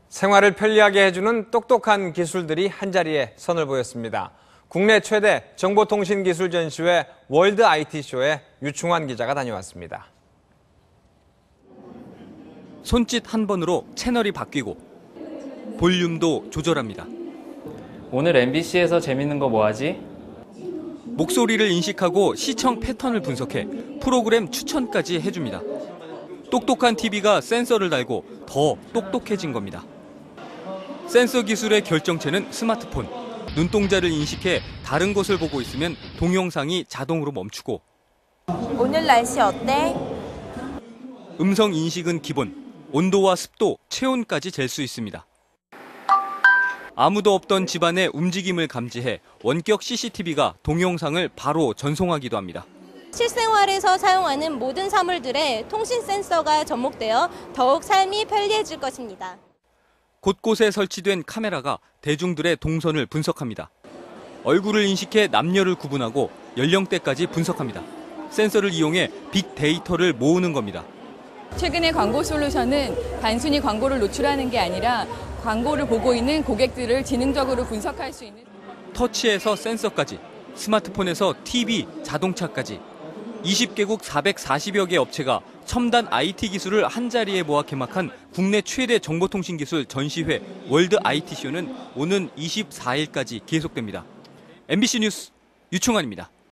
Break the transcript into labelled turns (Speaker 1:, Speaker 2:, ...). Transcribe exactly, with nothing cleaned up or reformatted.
Speaker 1: 생활을 편리하게 해주는 똑똑한 기술들이 한자리에 선을 보였습니다. 국내 최대 정보통신기술 전시회 월드 아이티쇼에 유충환 기자가 다녀왔습니다.
Speaker 2: 손짓 한 번으로 채널이 바뀌고 볼륨도 조절합니다.
Speaker 3: 오늘 엠비씨에서 재밌는 거 뭐하지?
Speaker 2: 목소리를 인식하고 시청 패턴을 분석해 프로그램 추천까지 해줍니다. 똑똑한 티비가 센서를 달고 더 똑똑해진 겁니다. 센서 기술의 결정체는 스마트폰. 눈동자를 인식해 다른 곳을 보고 있으면 동영상이 자동으로 멈추고
Speaker 4: 오늘 날씨 어때?
Speaker 2: 음성 인식은 기본, 온도와 습도, 체온까지 잴 수 있습니다. 아무도 없던 집안의 움직임을 감지해 원격 씨씨티비가 동영상을 바로 전송하기도 합니다.
Speaker 5: 실생활에서 사용하는 모든 사물들에 통신 센서가 접목되어 더욱 삶이 편리해질 것입니다.
Speaker 2: 곳곳에 설치된 카메라가 대중들의 동선을 분석합니다. 얼굴을 인식해 남녀를 구분하고 연령대까지 분석합니다. 센서를 이용해 빅데이터를 모으는 겁니다.
Speaker 6: 최근의 광고 솔루션은 단순히 광고를 노출하는 게 아니라 광고를 보고 있는 고객들을 지능적으로 분석할 수 있는
Speaker 2: 터치에서 센서까지, 스마트폰에서 티비, 자동차까지 이십 개국 사백사십여 개 업체가 첨단 아이티 기술을 한자리에 모아 개막한 국내 최대 정보통신기술 전시회 월드 아이티쇼는 오는 이십사 일까지 계속됩니다. 엠비씨 뉴스 유충환입니다.